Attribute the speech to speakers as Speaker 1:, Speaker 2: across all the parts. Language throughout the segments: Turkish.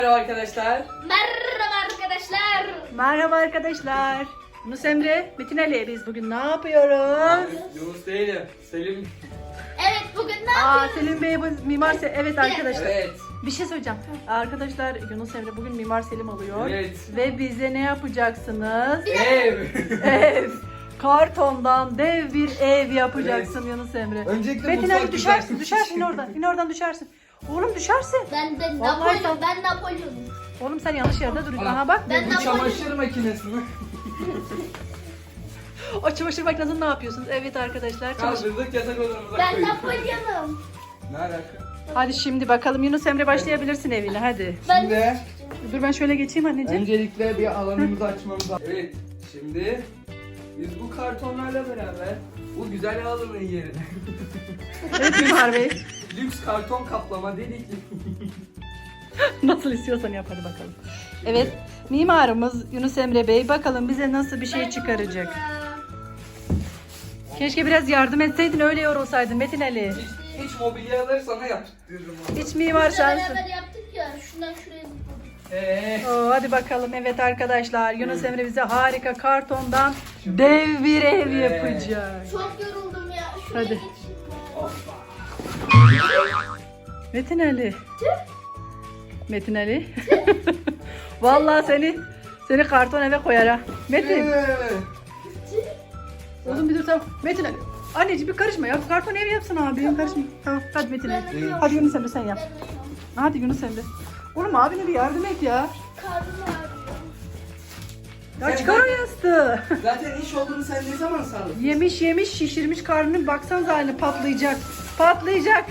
Speaker 1: Merhaba arkadaşlar.
Speaker 2: Merhaba arkadaşlar.
Speaker 3: Merhaba arkadaşlar. Yunus Emre, Metin Ali, biz bugün ne yapıyoruz?
Speaker 1: Yunus değilim. Selim.
Speaker 2: Evet bugün ne yapıyoruz?
Speaker 3: Selim Bey bu Mimar Selim. Evet arkadaşlar.
Speaker 1: Evet.
Speaker 3: Bir şey söyleyeceğim. Arkadaşlar Yunus Emre bugün Mimar Selim oluyor.
Speaker 1: Evet.
Speaker 3: Ve bize ne yapacaksınız?
Speaker 1: Ev.
Speaker 3: Ev. Kartondan dev bir ev yapacaksın Yunus Emre.
Speaker 1: Öncelikle
Speaker 3: Metin
Speaker 1: mutfak
Speaker 3: Ali düşersin,
Speaker 1: güzel.
Speaker 3: düşersin in oradan. İn oradan düşersin. Oğlum düşersin.
Speaker 2: Ben
Speaker 3: Vallahi
Speaker 2: Napolyon. Ben Napolyon.
Speaker 3: Oğlum sen yanlış yerde duruyorsun. Aha bak.
Speaker 2: Ben
Speaker 1: Bu çamaşır makinesi mi?
Speaker 3: O çamaşır makinesini ne yapıyorsunuz? Evet arkadaşlar.
Speaker 1: Kaldırdık yatak odamıza
Speaker 2: Ben
Speaker 1: koyduk.
Speaker 2: Napolyon'um.
Speaker 1: Ne alaka?
Speaker 3: Hadi şimdi bakalım Yunus Emre başlayabilirsin evine hadi.
Speaker 2: Ben
Speaker 1: Şimdi
Speaker 3: Dur ben şöyle geçeyim anneciğim.
Speaker 1: öncelikle bir alanımızı açmamız lazım. Evet. Şimdi biz bu kartonlarla beraber bu güzel alanın yerine
Speaker 3: Evet Mimar Bey.
Speaker 1: lüks karton kaplama dedik.
Speaker 3: Nasıl istiyorsan yap hadi bakalım. Evet mimarımız Yunus Emre Bey bakalım bize nasıl bir şey çıkaracak. Keşke biraz yardım etseydin öyle yorulsaydın Metin Ali.
Speaker 1: Hiç mobilyaları sana yaptırırım.
Speaker 3: Hiç mimar sensin.
Speaker 2: beraber yaptık ya. Şundan şuraya zıpladık.
Speaker 3: Oo, hadi bakalım evet arkadaşlar Yunus Emre bize harika kartondan dev bir ev yapacak.
Speaker 2: Çok yoruldum ya. Şuraya
Speaker 3: Hadi.
Speaker 2: geçeyim.
Speaker 3: Metin Ali. Metin Ali. Vallahi seni karton eve koyar ha. Metin. Oğlum bir dur tamam. Metin Ali. Anneciğim bir karışma ya. Karton ev yapsın abim. Karışma. Tamam hadi Metin Ali. Hadi Yunus Emre sen yap. Hadi Yunus Emre. Oğlum abine bir yardım et ya.
Speaker 2: Karnım ağrıyor.
Speaker 3: Ya çıkar o yastığı.
Speaker 1: Zaten iş olduğunu sen ne zaman sandın?
Speaker 3: Yemiş şişirmiş karnını baksanıza haline patlayacak. Patlayacak.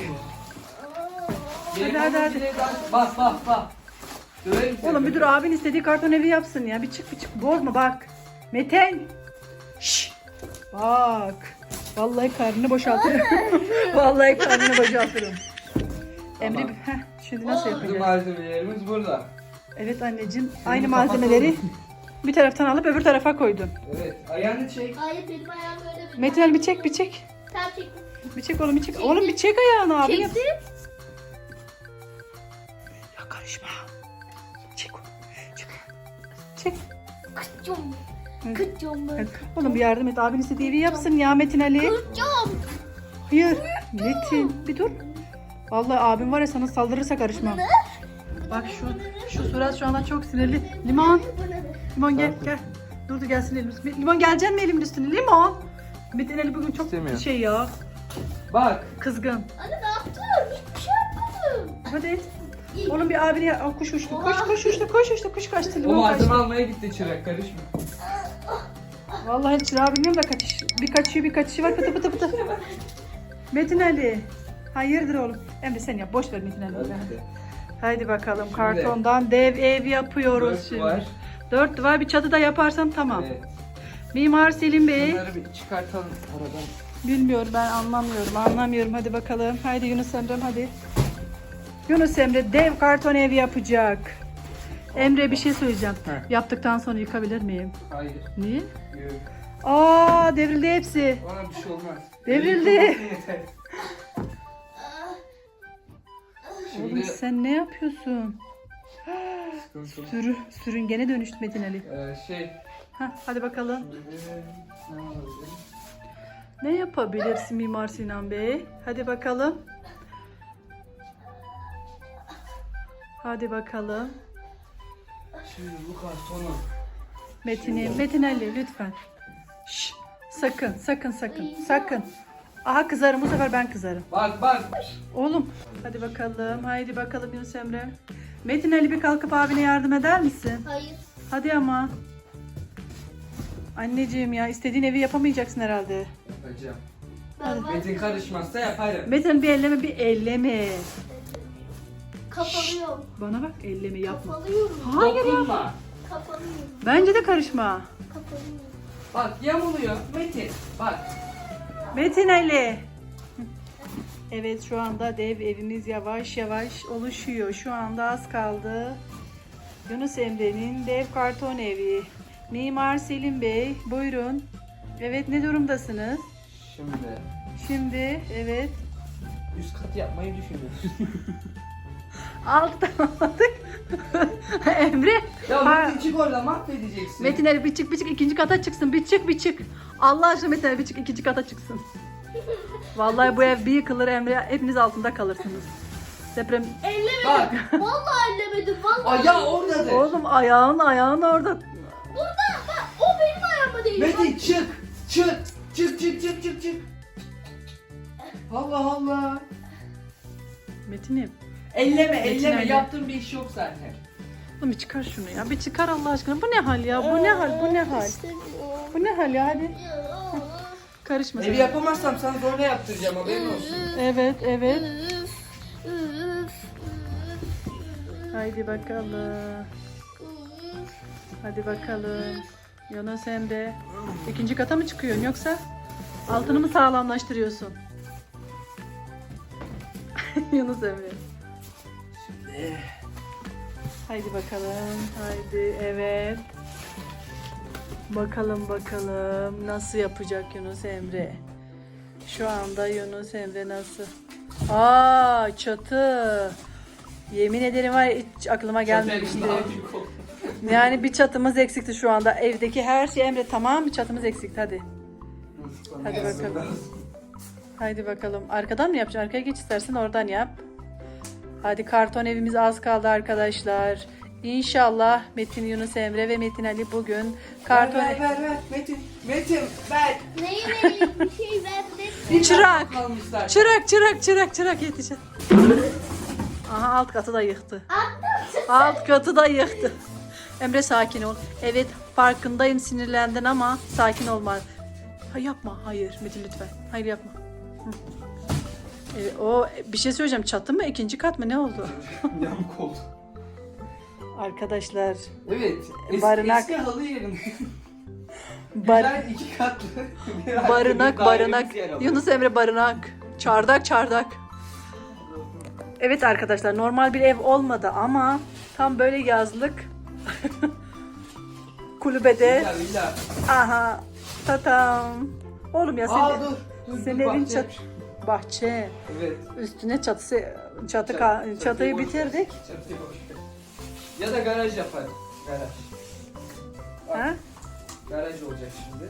Speaker 3: Hadi.
Speaker 1: Bak. Döverim seni.
Speaker 3: Oğlum bir dur abin istediği karton evi yapsın ya. Bir çık bozma bak. Metin. Şşş. Bak. Vallahi karnını boşaltırım. Vallahi karnını boşaltırım. Emre şimdi nasıl
Speaker 1: Bizim
Speaker 3: yapacağız?
Speaker 1: malzemelerimiz burada.
Speaker 3: Evet anneciğim
Speaker 1: Şimdi
Speaker 3: aynı malzemeleri bir taraftan alıp öbür tarafa koydun.
Speaker 1: Evet. Ayağını çek.
Speaker 2: Hayır benim ayağım öyle bir.
Speaker 3: Metin Ali bir çek.
Speaker 2: Tamam çektim.
Speaker 3: Bir çek oğlum bir çek. Oğlum bir çek ayağını abi.
Speaker 2: Çektim.
Speaker 3: Ya karışma. Çek onu. Çek.
Speaker 2: Kıçım.
Speaker 3: Hı.
Speaker 2: Kıçım.
Speaker 3: Hadi. Oğlum bir yardım et. Abin istediği evi yapsın ya Metin Ali.
Speaker 2: Kıçım.
Speaker 3: Hayır. Metin bir dur. Vallahi abim var ya sana saldırırsa karışmam. Bak şu surat şu anda çok sinirli. Limon gel. Dur gelsin elimiz. Limon gelecek mi elimin üstüne? Limon. Metin Ali bugün çok
Speaker 1: İstemiyor.
Speaker 3: şey ya.
Speaker 1: Bak.
Speaker 3: Kızgın.
Speaker 2: Anne ne yaptın? Hiçbir şey yapmadım.
Speaker 3: Hadi et. Oğlum bir abine kuş uçtu. Kuş uçtu. Kuş kaçtı.
Speaker 1: O
Speaker 3: Limon
Speaker 1: malzeme
Speaker 3: kaçtı.
Speaker 1: almaya gitti çırak. Karışma.
Speaker 3: Vallahi çırağı bilmiyorum da bir kaçışı var pıtı pıtı. Metin Ali. Hayırdır oğlum? Emre sen yap. Boş ver Metin Ali. Haydi bakalım
Speaker 1: Şimdi-
Speaker 3: kartondan dev ev yapıyoruz
Speaker 1: Dört
Speaker 3: şimdi.
Speaker 1: var.
Speaker 3: 4 duvar bir çatı da yaparsan tamam.
Speaker 1: Evet.
Speaker 3: Mimar Selim Bey.
Speaker 1: Bunları bir çıkartalım aradan.
Speaker 3: Bilmiyorum ben anlamıyorum. Hadi bakalım. Haydi Yunus Emre'm hadi. Yunus Emre dev karton ev yapacak. Emre bir şey söyleyeceğim.
Speaker 1: Heh.
Speaker 3: Yaptıktan sonra yıkabilir miyim?
Speaker 1: Hayır.
Speaker 3: Niye?
Speaker 1: Yok.
Speaker 3: Aa devrildi hepsi.
Speaker 1: Ona bir şey olmaz.
Speaker 3: Devrildi.
Speaker 1: Yeter.
Speaker 3: Oğlum
Speaker 1: Şimdi
Speaker 3: sen ne yapıyorsun?
Speaker 1: sıkıntılı.
Speaker 3: Sürüngene dönüştü Metin Ali.
Speaker 1: Şey.
Speaker 3: Hadi bakalım.
Speaker 1: Ne olabilir?
Speaker 3: Ne yapabilirsin Mimar Sinan Bey? Hadi bakalım. Hadi bakalım.
Speaker 1: Şimdi bu kartonu.
Speaker 3: Metin Ali lütfen. Şşş, sakın. Aha kızarım bu sefer ben kızarım.
Speaker 1: Bak.
Speaker 3: Oğlum hadi bakalım. Haydi bakalım Yunus Emre. Metin Ali bir kalkıp abine yardım eder misin?
Speaker 2: Hayır.
Speaker 3: Hadi ama. Anneciğim ya istediğin evi yapamayacaksın herhalde.
Speaker 1: Yapacağım.
Speaker 2: Ben
Speaker 1: Metin karışmazsa yaparım.
Speaker 3: Metin Ali bir elleme.
Speaker 2: kapalıyorum.
Speaker 3: Bana bak elleme yapma.
Speaker 2: Kapalıyorum.
Speaker 3: Hayır ya.
Speaker 1: Dokunma.
Speaker 2: Kapalıyorum.
Speaker 3: Bence de karışma.
Speaker 2: Kapalıyorum.
Speaker 1: Bak yamuluyor. Metin. Bak.
Speaker 3: Metin Ali. Evet şu anda dev evimiz yavaş yavaş oluşuyor. Şu anda az kaldı. Yunus Emre'nin dev karton evi. Mimar Selim Bey buyurun. Evet ne durumdasınız? Şimdi evet.
Speaker 1: Üst kat yapmayı düşünüyoruz.
Speaker 3: Alttan aldık. Emre.
Speaker 1: Ya
Speaker 3: ha-
Speaker 1: Metin çık oradan, mahvedeceksin.
Speaker 3: Metin Ali bir çık ikinci kata çıksın. Bir çık. Allah aşkına Metin Ali bir çık ikinci kata çıksın. Vallahi bu ev bir yıkılır Emre. Hepiniz altında kalırsınız. Deprem.
Speaker 1: Bak.
Speaker 2: Ellemedim. Vallahi ellemedim. Vallahi.
Speaker 1: Ayağı oradadır.
Speaker 3: Oğlum ayağın orada.
Speaker 2: Burada bak o benim ayağıma değil.
Speaker 1: Metin çık. Çık. Allah Allah.
Speaker 3: Metin'im.
Speaker 1: Elleme
Speaker 3: Metin Ali.
Speaker 1: yaptığın bir iş yok zaten.
Speaker 3: Oğlum bir çıkar şunu ya. Bir çıkar Allah aşkına. Bu ne hal ya? Bu ne hal? Bu ne hal ya? Hadi. Karışma sen.
Speaker 1: Evi yapamazsam sana zorla yaptıracağım, haberin olsun.
Speaker 3: Evet.
Speaker 2: Üf, üf,
Speaker 3: Haydi bakalım. Hadi bakalım. Yunus Emre. İkinci kata mı çıkıyorsun yoksa altını mı sağlamlaştırıyorsun? Yunus Emre.
Speaker 1: Şimdi.
Speaker 3: Haydi bakalım. Haydi evet. Bakalım nasıl yapacak Yunus Emre. Şu anda Yunus Emre nasıl? Aa çatı. Yemin ederim var ya, hiç aklıma gelmemişti. Yani bir çatımız eksikti şu anda. Evdeki her şey Emre tamam mı? Çatımız eksikti hadi. Hadi bakalım. Haydi bakalım. Arkadan mı yapacaksın? Arkaya geç istersen oradan yap. Hadi karton evimiz az kaldı arkadaşlar. İnşallah Metin, Yunus Emre ve Metin Ali bugün karton...
Speaker 1: Ver. Metin ver.
Speaker 2: Neyi vereyim? Bir şey ver de.
Speaker 1: Bir
Speaker 3: Çırak.
Speaker 1: dakika kalmışlar.
Speaker 3: Çırak yetişin. Aha alt katı da yıktı.
Speaker 2: Attım.
Speaker 3: Alt katı da yıktı. Emre sakin ol. Evet farkındayım sinirlendin ama sakin olma. Yapma. Hayır Metin lütfen. Hayır yapma. Hı. O bir şey söyleyeceğim. Çatı mı? İkinci kat mı? Ne oldu?
Speaker 1: Yamuk oldu.
Speaker 3: Arkadaşlar.
Speaker 1: Evet.
Speaker 3: Barınak.
Speaker 1: Eski halı yerinde.
Speaker 3: Bar-
Speaker 1: Güzel 2 katlı. bir
Speaker 3: barınak.
Speaker 1: dairemiz yer alıyor.
Speaker 3: Yunus Emre barınak. Çardak. Evet arkadaşlar normal bir ev olmadı ama tam böyle yazlık kulübede.
Speaker 1: Villa.
Speaker 3: Aha. Tatam. Oğlum ya
Speaker 1: Aa
Speaker 3: senin,
Speaker 1: dur.
Speaker 3: senin evin
Speaker 1: bahçe.
Speaker 3: bahçe.
Speaker 1: Evet.
Speaker 3: Üstüne çatıyı
Speaker 1: Çatıyı boş ver.
Speaker 3: bitirdik.
Speaker 1: Çatıyı boş ver. Ya da garaj yaparım. Garaj.
Speaker 3: Ha?
Speaker 1: Garaj olacak şimdi.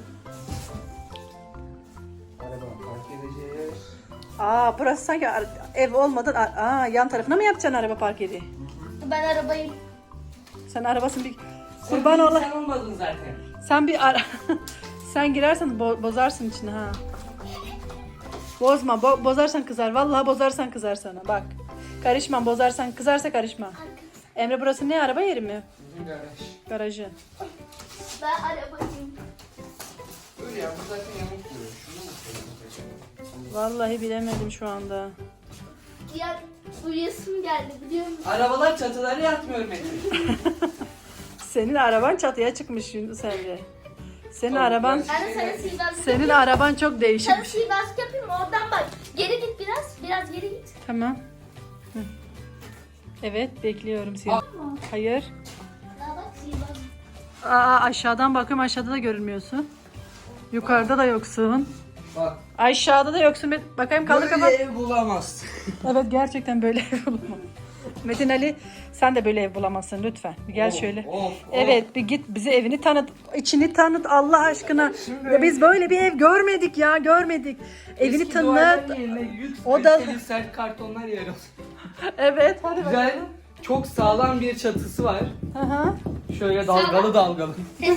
Speaker 1: Araba park edeceğiz.
Speaker 3: Burası sanki ev olmadan yan tarafına mı yapacaksın araba park yeri?
Speaker 2: Ben arabayım.
Speaker 3: Sen arabasın bir kurban
Speaker 1: Sen
Speaker 3: ola.
Speaker 1: Sen olmadın zaten.
Speaker 3: Sen bir sen girersen bozarsın içine ha. Bozma, bozarsan kızar. Vallahi bozarsan kızar sana. Bak. Karışma, bozarsan kızarsa karışma. Emre burası ne araba yeri mi?
Speaker 1: Bizim garaj.
Speaker 3: Garajı.
Speaker 2: Ben arabayım.
Speaker 1: Öyle ya, bu zaten yamuk duruyor. Şunu mu koyalım?
Speaker 3: Vallahi bilemedim şu anda.
Speaker 2: Ya uyuyasım geldi biliyor musun?
Speaker 1: Arabalar çatıları yatmıyor Metin.
Speaker 3: Senin araban çatıya çıkmış Yunus Emre. Senin
Speaker 1: Tamam,
Speaker 3: araban
Speaker 1: ben-
Speaker 2: Anne sana sihirbazlık
Speaker 3: senin
Speaker 2: yapayım.
Speaker 3: araban çok
Speaker 2: Sana
Speaker 3: değişik.
Speaker 2: sihirbazlık yapayım mı? Oradan bak. Geri git biraz. Biraz geri git.
Speaker 3: Tamam. Hı. Evet, bekliyorum seni.
Speaker 1: Aa.
Speaker 3: Hayır.
Speaker 2: Daha bak sihirbazlık.
Speaker 3: Aşağıdan bakıyorum. Aşağıda da görünmüyorsun. Yukarıda da yoksun.
Speaker 1: Bak.
Speaker 3: Aşağıda da yoksun. Bakayım kaldır
Speaker 1: Böyle
Speaker 3: kapat.
Speaker 1: ev bulamazsın.
Speaker 3: Evet gerçekten böyle ev bulamam. Metin Ali sen de böyle ev bulamazsın lütfen. Bir gel
Speaker 1: Of,
Speaker 3: şöyle.
Speaker 1: of,
Speaker 3: Evet bir git bize evini tanıt. İçini tanıt Allah aşkına.
Speaker 1: Şimdi-
Speaker 3: Ya biz böyle bir ev görmedik ya görmedik. Evini
Speaker 1: Eski
Speaker 3: tanıt.
Speaker 1: duvarların yerine yüz
Speaker 3: O da-
Speaker 1: kaliteli sert kartonlar yer alıyor.
Speaker 3: Evet hadi
Speaker 1: Güzel,
Speaker 3: bakalım.
Speaker 1: çok sağlam bir çatısı var.
Speaker 3: Hı hı.
Speaker 1: Şöyle dalgalı.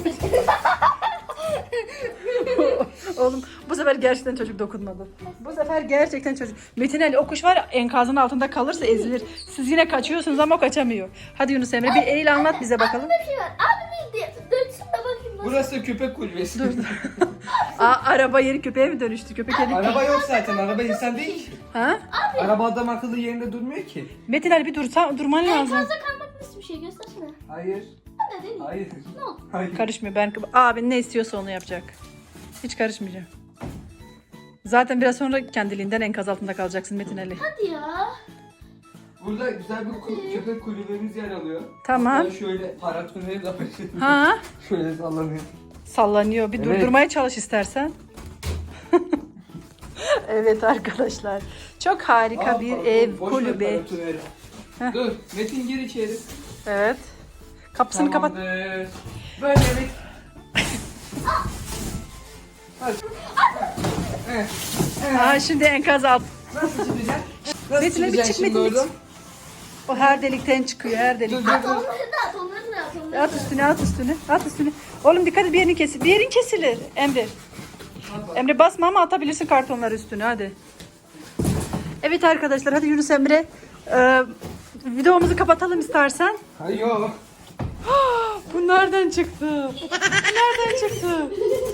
Speaker 3: Oğlum bu sefer gerçekten çocuk dokunmadı. Bu sefer gerçekten çocuk. Metin Ali o kuş var ya enkazın altında kalırsa ezilir. Siz yine kaçıyorsunuz ama o kaçamıyor. Hadi Yunus Emre bir eğil anlat bize bakalım.
Speaker 2: Aklımda bir şey var. Abi bir dönsün de bakayım nasıl.
Speaker 1: Burası köpek kulübesi.
Speaker 3: Araba yeri köpeğe mi dönüştü? Köpek yeri.
Speaker 1: Araba yok zaten, araba insan değil ki.
Speaker 3: Ha?
Speaker 1: Araba adam akıllı yerinde durmuyor ki.
Speaker 3: Metin Ali bir durman lazım.
Speaker 2: Fazla kalmak nasıl bir şey göstersene.
Speaker 1: Hayır.
Speaker 2: Hadi değil mi?
Speaker 1: Hayır.
Speaker 2: Ne oldu?
Speaker 1: Hayır.
Speaker 3: Karışmıyor. Abin ne istiyorsa onu yapacak. Hiç karışmayacağım. Zaten biraz sonra kendiliğinden enkaz altında kalacaksın Metin Ali.
Speaker 2: Hadi ya.
Speaker 1: Burada güzel bir köpek kulübemiz yer alıyor.
Speaker 3: Tamam.
Speaker 1: Ben şöyle paratoneri de yapayım.
Speaker 3: Ha?
Speaker 1: Şöyle sallanıyor.
Speaker 3: Sallanıyor. Bir
Speaker 1: Evet.
Speaker 3: durdurmaya çalış istersen. Evet arkadaşlar. Çok harika bir ev,
Speaker 1: Boş ver
Speaker 3: kulübe.
Speaker 1: paratoneri.
Speaker 3: Heh.
Speaker 1: Dur, Metin gir içeri.
Speaker 3: Evet. Kapısını kapat.
Speaker 1: Tamamdır. Böyle bir... Hadi.
Speaker 3: Aa, şimdi enkaz alt.
Speaker 1: Nasıl çıkacak? Nasıl
Speaker 3: Metin Ali,
Speaker 1: çıkacak
Speaker 3: çık,
Speaker 1: şimdi
Speaker 3: Metin Ali,
Speaker 1: oradan?
Speaker 3: O her delikten çıkıyor, her delikten.
Speaker 2: At onları da at onları da at onları da.
Speaker 3: At üstüne, at üstüne, at üstüne. Oğlum dikkat et, bir yerin kesilir. Bir yerin kesilir Emre. Emre basma ama atabilirsin kartonları üstüne, hadi. Evet arkadaşlar, hadi Yunus Emre. Videomuzu kapatalım istersen.
Speaker 1: Hayır yok.
Speaker 3: Bu nereden çıktı? Bu nereden çıktı?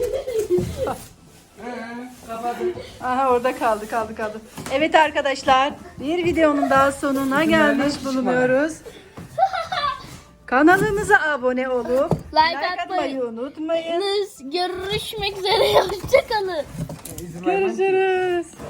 Speaker 1: Kapadım.
Speaker 3: Aha, orada kaldı. Evet arkadaşlar, bir videonun daha sonuna gelmiş bulunuyoruz. Kanalımıza abone olup
Speaker 2: Like
Speaker 3: atmayı unutmayın.
Speaker 2: Görüşmek üzere. Hoşçakalın.
Speaker 1: İzin vermem ki.
Speaker 3: Görüşürüz.